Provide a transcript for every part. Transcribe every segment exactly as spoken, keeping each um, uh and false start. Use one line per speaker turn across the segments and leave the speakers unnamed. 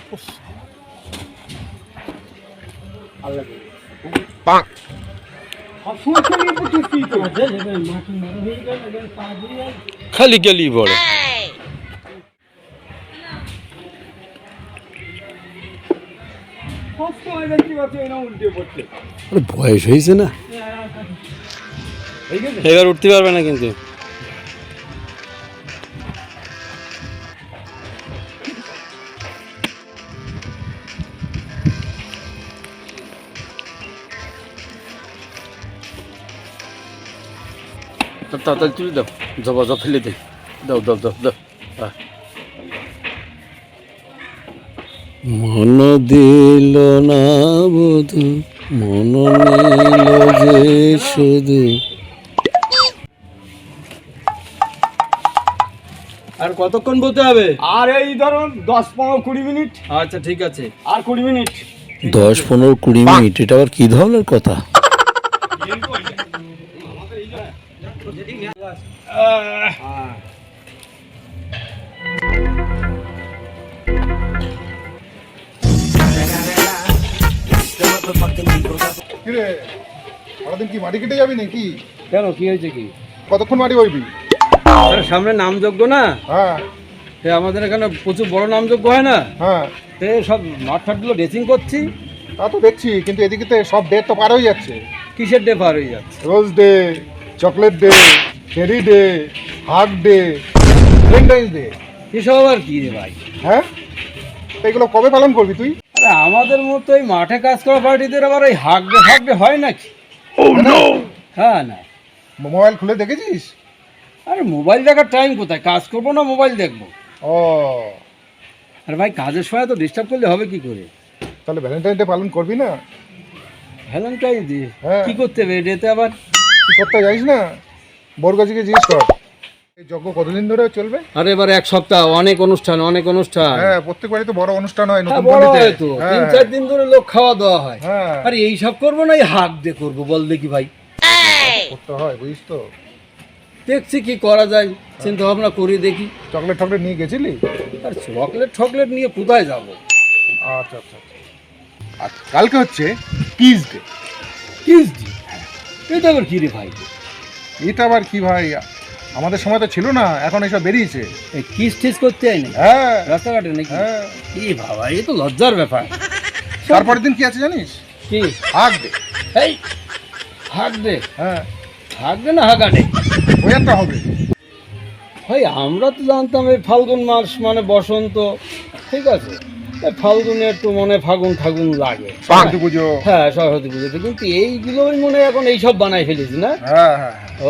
খালি গেলি বড় বয়স হয়েছে না, এবার উঠতে পারবে না কিন্তু। তাড়াতাড়ি তুলে দাও, জবা জব ফেলে দে, দাও দাও দাও দাও। মন দিল না বধু, মন নিল যে শুধু। আর কতক্ষণ বলতে হবে?
আর এই ধরো দশ পনেরো কুড়ি মিনিট।
আচ্ছা ঠিক আছে,
আর কুড়ি মিনিট।
দশ পনেরো কুড়ি মিনিট এটা আবার কি ধরনের কথা?
সারাদিন কি মাটি কেটে যাবি নাকি?
কেন, কি হয়েছে কি?
কতক্ষণ মাটি বইবি?
সামনে নামযজ্ঞ না,
হ্যাঁ
আমাদের এখানে প্রচুর বড় নামযজ্ঞ হয় না,
হ্যাঁ
সব মাঠ ফাটগুলো ড্রেসিং করছি।
তা তো দেখছি, কিন্তু এদিকে তো সব ডেট তো পার হয়ে যাচ্ছে।
কিসের ডে পার হয়ে যাচ্ছে?
Rose day, chocolate day, cherry day, hug day, valentine's day.
এসব আবার কি রে ভাই?
হ্যাঁ, এগুলো কবে পালন করবি তুই?
আরে আমাদের মতো এই মাঠে কাজ করা পার্টিদের আবার ওই হাগ ডে ফাগ ডে হয় নাকি? হ্যাঁ না,
মোবাইল খুলে দেখেছিস?
আরে মোবাইল দেখার টাইম কোথায়? কাজ করবো না মোবাইল দেখবো?
ও,
আরে ভাই কাজের সময় তো ডিস্টার্ব করলে হবে কি করে?
তাহলে ভ্যালেন্টাইন ডে পালন করবি না?
ভ্যালেন্টাইন ডে
হ্যাঁ।
কি করতে হবে ডেতে আবার?
কি করতে যাইস না? বরগাছিকে জিজ্ঞেস কর এই যজ্ঞ কতদিন ধরে চলবে।
আরে এবার এক সপ্তাহ, অনেক অনুষ্ঠান অনেক অনুষ্ঠান।
হ্যাঁ, প্রত্যেক বাড়ি তো বড় অনুষ্ঠান হয়,
হ্যাঁ
নতুন
বড়
পল্লীতে।
হয় তো,
হ্যাঁ,
তিন চার দিন ধরে লোক খাওয়া দাওয়া হয়।
হ্যাঁ,
আরে এই সব করবো না, এই হাগ ডে করবো বল দেখি ভাই?
করতে হয়, বুঝিস তো।
দেখছি কি করা যায়, চিন্তা ভাবনা করি দেখি।
চকলেট টকলেট নিয়ে গেছিলি?
আর চকলেট ঠকলেট নিয়ে কোথায় যাবো?
আচ্ছা আচ্ছা আচ্ছা। আর কালকে হচ্ছে কিস ডে।
Kiss day? এটা আবার কি রে ভাই?
এটা আবার কি ভাই, আমাদের সময় তো ছিল না, এখন এসব বেরিয়েছে।
এই কিস টিস করতে হয় না
হ্যাঁ
রাস্তাঘাটে নাকি?
হ্যাঁ।
কি বাবা, এ তো লজ্জার ব্যাপার।
তারপরের দিন কি আছে জানিস?
কি?
Hug day.
এই হাগ ডে?
হ্যাঁ,
হাগ ডে না হাগা ডে?
ওই একটা হবে।
ভাই আমরা তো জানতাম এই ফাল্গুন মাস মানে বসন্ত, ঠিক আছে, এই ফাল্গুনে একটু মনে ফাগুন ফাগুন লাগে,
সরস্বতী পুজো।
হ্যাঁ সরস্বতী পুজোতে, কিন্তু এইগুলোই মনে হয় এখন এইসব বানাই ফেলেছি না?
হ্যাঁ হ্যাঁ হ্যাঁ।
ও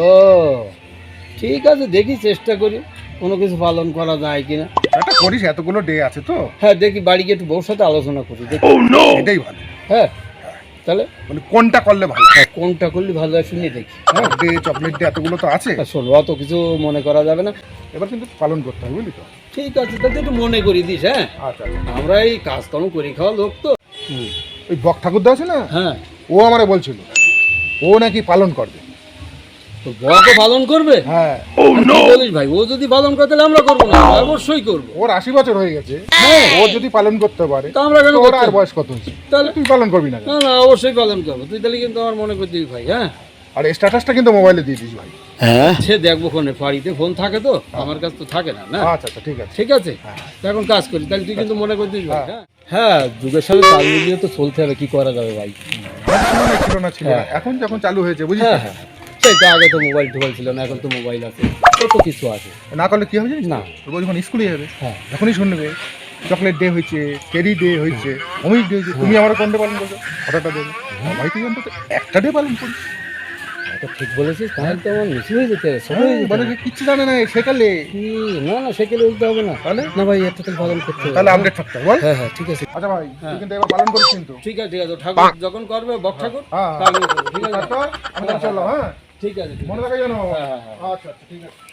ঠিক আছে, দেখি চেষ্টা করি কোনো কিছু পালন করা যায় কিনা।
এটা করিস, এতগুলো ডে আছে তো।
হ্যাঁ দেখি, বাড়ি গিয়ে একটু বউর সাথে আলোচনা করি দেখি।
এটাই ভালো।
হ্যাঁ তাহলে
মানে কোনটা করলে ভালো?
হ্যাঁ, কোনটা করলে ভালো হয় শুনিয়ে দেখি।
হাগ ডে, চকলেট ডে, এতগুলো তো আছে।
হ্যাঁ, শোনো অত কিছু মনে করা যাবে না,
এবার কিন্তু পালন করতে হবে, বুঝলি তো।
ঠিক আছে তাহলে একটু মনে করি দিস। হ্যাঁ
আচ্ছা আচ্ছা।
আমরা এই কাজকর্ম করি খাওয়া লোক তো। হুম।
ওই বক ঠাকুরদা আছে না,
হ্যাঁ,
ও আমারে বলছিল ও নাকি পালন করবে।
তো বড়কে পালন করবে?
হ্যাঁ।
কি বলিস ভাই, ও যদি পালন করে তাহলে আমরা করবো না? অবশ্যই করবো।
ওর আশি বছর হয়ে গেছে,
হ্যাঁ।
ও যদি পালন করতে পারে
তা আমরা কেন
তো ওর
করতে
আর
হবে?
বয়স কত হয়েছে,
তাহলে
তুই পালন করবি না কেন?
না না অবশ্যই পালন করবো, তুই তাহলে কিন্তু আমার মনে করে দিবি ভাই। হ্যাঁ,
আর স্ট্যাটাসটা কিন্তু মোবাইলে দিয়ে দিস ভাই।
হ্যাঁ সে দেখবো ফোনে, বাড়িতে ফোন থাকে তো, আমার কাছে তো থাকে না। না
আচ্ছা আচ্ছা, ঠিক আছে।
ঠিক আছে,
হ্যাঁ।
তো এখন কাজ করি, তাহলে তুই কিন্তু মনে করে দিস ভাই।
হ্যাঁ।
হ্যাঁ যুগের সাথে তাল মিলিয়ে তো চলতে হবে, কি করা যাবে ভাই?
সময় ছিল না ছিল না,
হ্যাঁ।
এখন যখন চালু হয়েছে বুঝলি
হ্যাঁ
তো?
হ্যাঁ, সেই তো আগে তো মোবাইল টোবাইল ছিল না, এখন তো মোবাইল আছে, কত কিছু আছে।
না করলে কি হবে জানিস
না।
না, ও যখন স্কুলে যাবে
হ্যাঁ
তখনই শুনবে চকলেট ডে হয়েছে, চেরি ডে হয়েছে, অমিক ডে হয়েছে, তুমি আমার কোন ডে পালন করছো, হঠাৎ দেবে ভাই, তুই অন্তত একটা ডে পালন করিস।
তো ঠিক বলেছিস, তাহলে তো আমার মিস হয়ে যেতে হবে, ছোট হয়ে যেতে
মানে
হবে।
কিচ্ছু জানে না সেকালে,
কি? না না সেকেলে উঠতে হবে না,
তাহলে
না ভাই একটা তো পালন করতে হবে।
তাহলে আপডেট থাকতে হবে, বল।
হ্যাঁ হ্যাঁ ঠিক আছে।
আচ্ছা ভাই,
হ্যাঁ।
তুই কিন্তু এবার পালন করিস কিন্তু।
ঠিক আছে ঠিক আছে, ঠাকুর যখন করবে বক ঠাকুর
হ্যাঁ,
তা আমি করবো, ঠিক আছে।
তারপর আমরা চলো। হ্যাঁ,
ঠিক আছে ঠিক
মনে
আছে।
থাকে জানো।
হ্যাঁ, হ্যাঁ, হ্যাঁ।
আচ্ছা আচ্ছা, ঠিক আছে।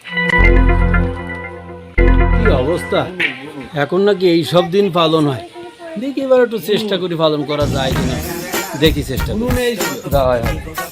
কি অবস্থা, এখন নাকি এই সব দিন পালন হয়, দেখি এবার একটু চেষ্টা করি পালন করা যায় কিনা, দেখি চেষ্টা করি। হয়, হয়।